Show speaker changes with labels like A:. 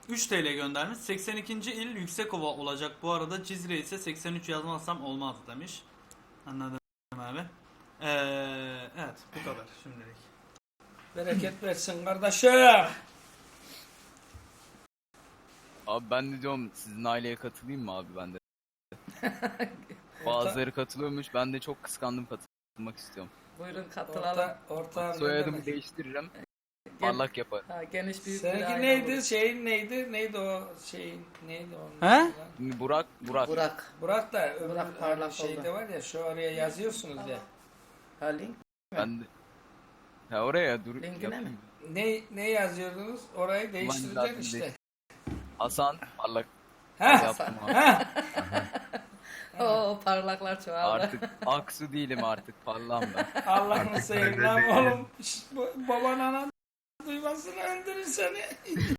A: 3 TL göndermiş. 82. il Yüksekova olacak. Bu arada Cizre ise 83 yazmazsam olmaz demiş. Anladım abi. Evet bu kadar şimdilik.
B: Bereket versin kardeşim.
C: Abi ben de diyorum sizin aileye katılayım mı abi ben de? Bazıları katılıyormuş. Ben de çok kıskandım, katılmak istiyorum.
D: Buyurun katılalım.
B: Ortağım
C: Soyadımı değiştiririm.
D: Gen-
C: Parlak yaparım.
D: Ha, geniş büyük bir
B: Seninki
D: aile
B: neydi?
D: olur.
B: Şeyin neydi? Neydi o şeyin? Neydi onun?
A: He?
B: adı?
C: Şimdi Burak.
D: Burak.
B: Burak da öbür
D: Burak parlak
B: şeyde
D: oldu.
B: var ya, şu oraya yazıyorsunuz ya.
D: Ha, link.
C: Ben de. Ha oraya dur.
D: Linkine
C: yapayım.
D: mi?
B: Ne yazıyordunuz? Orayı değiştireceksin
C: lazım
B: işte.
C: değil. Hasan parlak
B: Ha?
C: yaptım abi.
D: Oo parlaklar çoğaldı.
C: Artık Aksu değilim artık, parlağım ben.
B: Allah'ını seveyim lan oğlum. Şşt, baban anan duymasın öldürür seni.